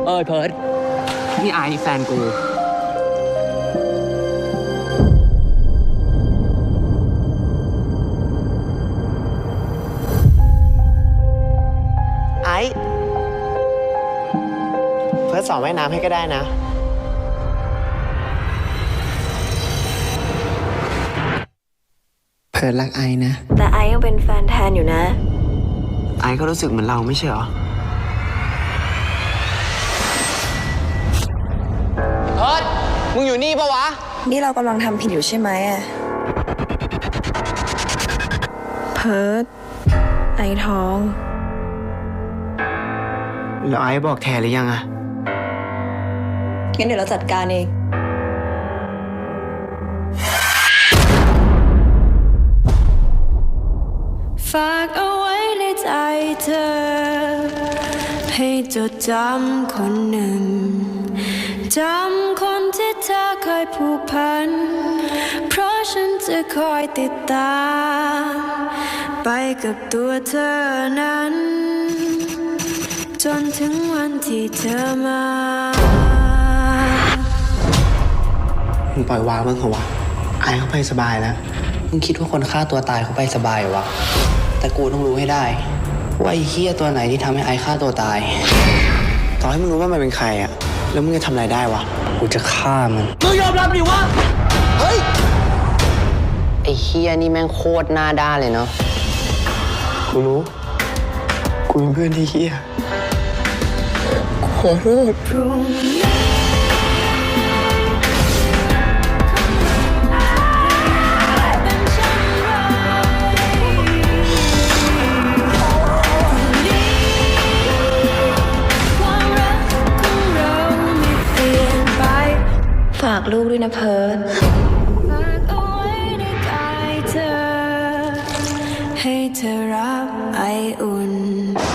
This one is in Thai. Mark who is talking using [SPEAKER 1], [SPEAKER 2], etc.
[SPEAKER 1] เพิร์ดนี่ไอแฟนกู
[SPEAKER 2] ไอ้เพิร์ทสอนว่ายน้ำให้ก็ได้นะเพิร์ทรักไอ้นะ
[SPEAKER 3] แต่ไอ้ยังเป็นแฟนแทนอยู่นะ
[SPEAKER 2] ไอ้ก็รู้สึกเหมือนเราไม่ใช่เหรอเพิร์ทมึงอยู่นี่ปะวะ
[SPEAKER 3] นี่เรากำลังทำผิดอยู่ใช่ไหมอะเพิร์ทไอ้ท้อง
[SPEAKER 2] แล้วไอ้บอกแทนหรือยังอะ
[SPEAKER 3] งั้นเดี๋ยวเราจัดการเองฝากเอาไว้ในใจเธอให้จดจำคนหนึ่งจำคนที่เธอเคยผูกพันเพราะฉันจะคอยติดตามไปกับตัวเธอนั้นจนถึงวันที่เธอมา
[SPEAKER 2] มึงปล่อยวางมึงเหรอวะไอ้เขาไปสบายแล้วมึงคิดว่าคนฆ่าตัวตายเขาไปสบายเหรอวะแต่กูต้องรู้ให้ได้ว่าไอ้เหี้ยตัวไหนที่ทำให้ไอ้ฆ่าตัวตายต่อให้มึงรู้ว่ามันเป็นใครอะแล้วมึงจะทำอะไรได้วะกูจะฆ่ามันมึงยอมรับดิวะเฮ้ยไอ้เหี้ยนี่แม่งโคตรหน้าด้านเลยเนาะกูรู้กูเป็นเพื่อนที่เหี้ยขอโทษ
[SPEAKER 3] ฝากลูกด้วยนะเพิร์ทฝากเอาไว้ในกายเธอให้เธอรับไออุ่น